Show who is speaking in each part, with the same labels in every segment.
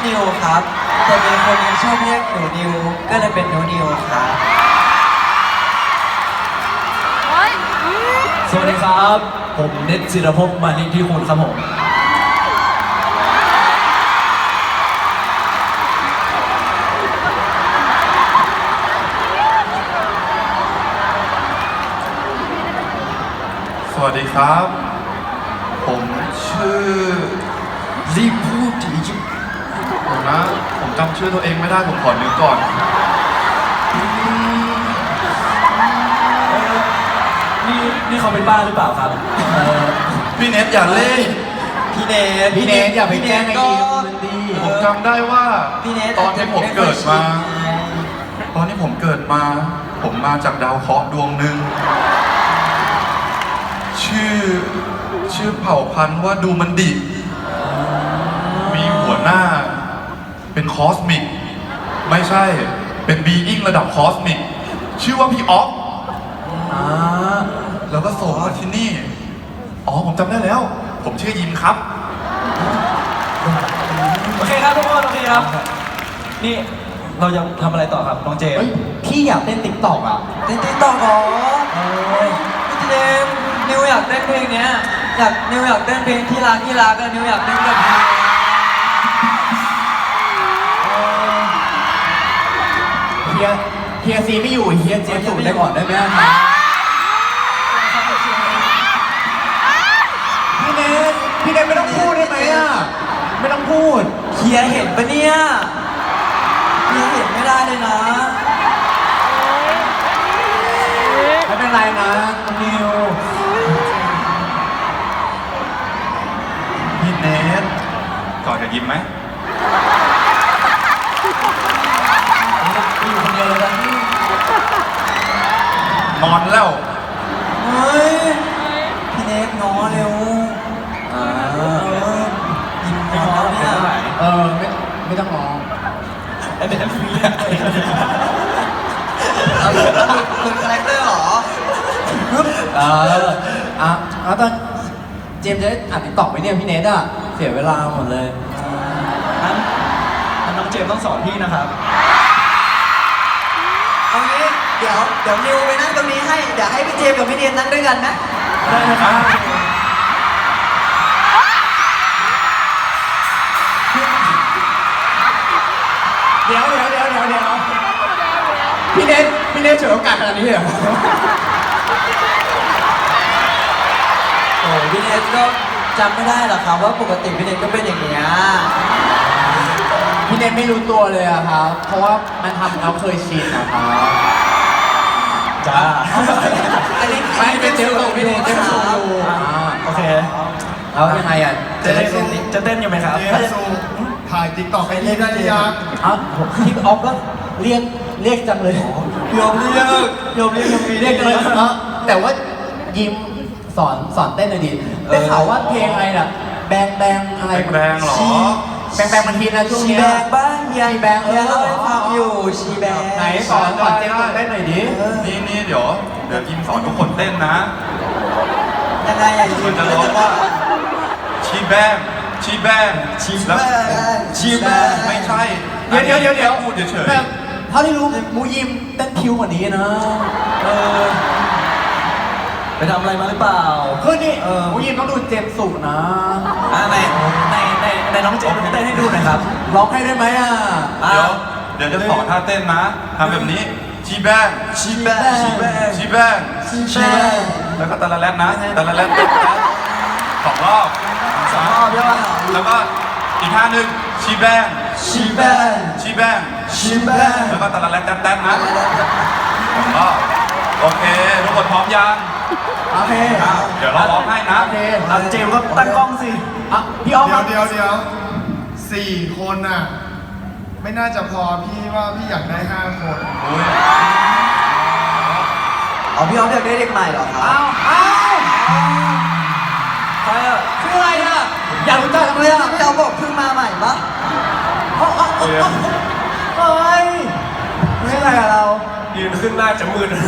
Speaker 1: นิวครับแต่มีคนยังชอบเรียกหนูนิวก็เลยเป็นหนูนิวครับ
Speaker 2: สวัสดีครับ ผมเน็ตศิรภพมาลิที่คุณครับผม
Speaker 3: สวัสดีครับ ผมชื่อรีบพูดดีจิผมนะ ผมจำชื่อตัวเองไม่ได้ผมขอนึกก่อน
Speaker 2: นี่เขาเป็นบ้าหรือเปล่าครับ
Speaker 3: พี่เน็ตอย่าเล่น
Speaker 1: พี่เนท
Speaker 4: พี่เนทอย่าไปแกล้งไอ้ดิวมันดี
Speaker 3: ผมจำได้ว่า
Speaker 1: พี่เนท
Speaker 3: ตอนที่ผมเกิดมา ตอนที่ผมเกิดมา ผมมาจากดาวเคราะห์ดวงหนึ่งชื่อเผ่าพันธุ์ว่าดูมันดิมีหัวหน้าเป็นคอสมิกไม่ใช่เป็นบีอิงระดับคอสมิกชื่อว่าพี่ออฟแล้วก็ส่งมาที่นี่อ๋อผมจำได้แล้ว ผมชื่อยิมครับ
Speaker 2: โอเคครับทุกคนโอเคครับ นี่เรายังทำอะไรต่อครับน้องเจม
Speaker 4: เฮ้ย
Speaker 2: ส์
Speaker 4: พี่อยากเต้นติ๊กต็อกอ่ะ
Speaker 1: เต้นติ๊กต็อกเหรอพี่เนทนิวอยากเต้นเพลงเนี้ยนิวอยากเต้นเพลงที่รักอะนิวอยากเต้นกับนิว
Speaker 4: เฮียซีไม่อยู่เฮียเจมส์สูดได้ก่อนได้ไหมพี่เนทไม่ต้องพูดได้ไหมอ่ะ ไม่ต้องพูด
Speaker 1: เฮียเห็นปะเนี่ยเฮียเห็นไม่ได้เลยนะ
Speaker 4: ไม่เป็นไรนะคุณนิว
Speaker 3: พี่เนทก่อนจะยิ้มไหม
Speaker 2: อยู่คนเดียวเลยนะ
Speaker 3: นอนแล้ว
Speaker 1: เฮ้ยพี่เนทง้อเร็วยิ้มง้อเนี่ย
Speaker 4: ไม่ต้องร้อง
Speaker 2: ไอ้เป็นฟรี
Speaker 1: เอาคุณคาแรคเตอร์เหรอ
Speaker 4: ตอนเจมส์จะได้อัดติ๊กต็อกไหมเนี่ยพี่เนทอ่ะ เสียเวลาหมดเลย
Speaker 2: น้องเจมส์ต้องสอนพี่นะครับ
Speaker 1: เอางี้เดี๋ยวนิวไปนั่งตรงนี้ให้เดี๋ยวให้พี่เจมส์กับพี่เนทนั่งด้วยกันนะ
Speaker 2: ได้นะครับ
Speaker 4: เดี๋ยวพี่เนทฉวยโอกาสขนาดนี้เลยเหรอ
Speaker 1: โอ้พี่เนทก็จำไม่ได้หรอกครับว่าปกติพี่เนทก็เป็นอย่างเงี้ย
Speaker 4: พี่เนทไม่รู้ตัวเลยอะครับ เพราะว่ามันทำเราเคยชินนะครับ
Speaker 2: จ้า
Speaker 1: อันนี้
Speaker 4: ไม่เป็นเจลส่งพี่เนทเจลส่งอยู่
Speaker 2: โอเค
Speaker 4: แล้วยังไงอ่ะ
Speaker 2: จะเต้นอยู่ไหมครับ
Speaker 5: ถ่ายติ๊กต็อกไอ้นี่ได้หรือยัง
Speaker 4: พี่ออฟก็เรียกจังเลย
Speaker 1: ยอมเรียกมี
Speaker 4: เรียกจังเลยแต่ว่ายิ้มสอนเต้นหน่อยดิได้ข่าวว่าเพลงอะไรน่ะแบงอะไร
Speaker 3: แบงเหรอ
Speaker 4: แบงมันฮิตนะช่วง
Speaker 1: ชี
Speaker 4: นี้
Speaker 1: แบงบ้างเฮีย
Speaker 4: ชีแบง
Speaker 1: เฮียเล่าให้ฟังอยู่ชีแบง
Speaker 4: ไหนสอนเจมส์เต้นหน่อยดิ
Speaker 3: นี่เดี๋ยวยิมสอนทุกคนเต้นนะ
Speaker 1: ยังไงอะ
Speaker 3: คุณจะร้องว่าชีแบงไม่ใช่
Speaker 4: เดี๋ยว
Speaker 3: พูดเฉย
Speaker 4: แบบเท่าที่รู้มูยิมเต้นคิวกว่านี้นะ
Speaker 2: ไปทำอะไรมาหรือเปล่า
Speaker 4: คือนี่มูยิมต้องดูเจมส์สุนะ
Speaker 2: ในน้องเจมส์เต้นให้ดูหน่อยครับ
Speaker 4: ร้องให้ได้ไหมอ่ะ
Speaker 3: เดี๋ยวจะสอนท่าเต้นนะทำแบบนี้ชีแบง
Speaker 1: ชีแบง
Speaker 3: แล้วก็ตะละแรดนะตะละแรดสองรอบ
Speaker 1: ใช่ป่ะ
Speaker 3: แล้วก็อีกท่าหนึ่งชีแบง
Speaker 1: ชีแบง
Speaker 3: แล้วก็ตะละแรดแต๊ดนะสองรอบโอเคทุกคนพร้อมยัง
Speaker 4: โอเค
Speaker 3: เดี๋ยวเราร้องให้นะ
Speaker 4: โอเค
Speaker 2: เจมส์ก็ตั้งกล้องสิ
Speaker 4: พี่ออฟครับ
Speaker 5: เดี๋ยวสี่คนน่ะ ไม่น่าจะพอพี่ว่าพี่อยากได้5 คน
Speaker 1: อ๋อพี่ออฟอยากได้เด็กใหม่เหรอครับ
Speaker 4: อ้าวใครอ่ะชื่ออะไรอ่ะอยากรู้จักจังเลยอ่ะ
Speaker 1: พี่ออฟบอกเพิ่งมาใหม่ปะ
Speaker 4: เฮ้ยไม่ใช่อะไรกับเรา
Speaker 2: ยืนขึ้นหน้าจะมืด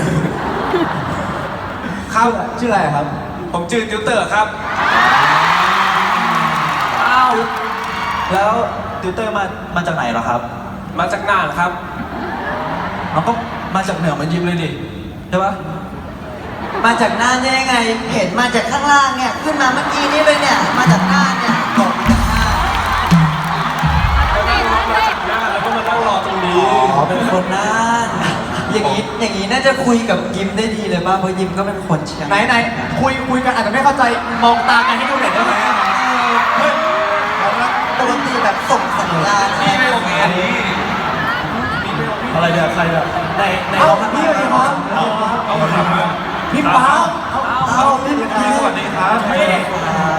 Speaker 4: ชื่ออะไรครับ
Speaker 2: ผมจืดติวเตอร์ครับ อ้าว แล้วติวเตอร์มาจากไหนเหรอครับ
Speaker 6: มาจากน่านครับ
Speaker 2: มันก็มาจากเหนือเหมันยิมเลยดิใช่ปะ
Speaker 1: มาจากน่านได้ยังไง เห็นมาจากข้างล่างเนี่ย ขึ้นมาเมื่อกี้นี่เลยเนี่ย มาจากน่านเนี่ยบอกมาจากน่าน
Speaker 6: ก็นั่งรถมาจากน่านแล้วก็มานั่งรอตรงนี้
Speaker 1: อ๋อเป็นคนน่าน อย่างนี้น่าจะคุยกับยิมได้ดีเลยป่ะเพราะยิมก็เป็นคนเชียง
Speaker 4: ไหนคุยกันอาจจะไม่เข้าใจมองตากันให้ดูหน่อยได้ไหม
Speaker 1: ปกติแบบส่งสัญญาณอะไร
Speaker 6: นี่ไม่โอเคนี่
Speaker 2: อะไรเดี๋ยวใครเดี๋ยวใน
Speaker 4: เอา
Speaker 2: เราทำ
Speaker 4: พี่สวัสดีครับ
Speaker 6: เอามาทำมา
Speaker 4: พี่ป๊า
Speaker 2: เอาพี่สวัสดีครับ
Speaker 6: ไม่ได้